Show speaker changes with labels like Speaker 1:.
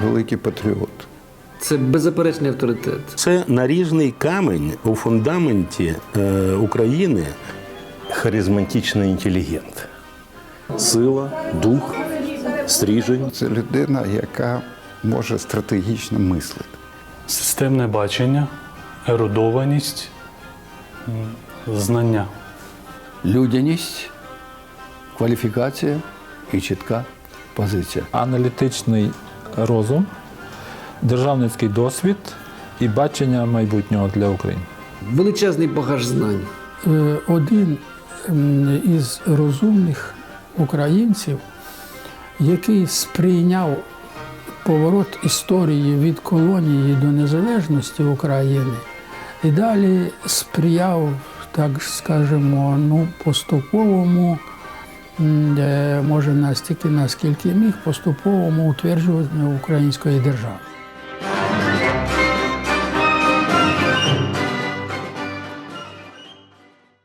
Speaker 1: великий патріот.
Speaker 2: Це беззаперечний авторитет.
Speaker 3: Це наріжний камінь у фундаменті України.
Speaker 4: Харизматичний інтелігент. Сила, дух, стрижень.
Speaker 1: Це людина, яка може стратегічно мислити.
Speaker 5: Системне бачення, ерудованість, знання.
Speaker 6: Людяність, кваліфікація і чітка позиція.
Speaker 7: Аналітичний розум, державницький досвід і бачення майбутнього для України.
Speaker 2: Величезний багаж знань.
Speaker 8: Один із розумних українців, який сприйняв поворот історії від колонії до незалежності України і далі сприяв, так скажемо, поступовому, може настільки, наскільки міг, поступовому утверджуванню української держави.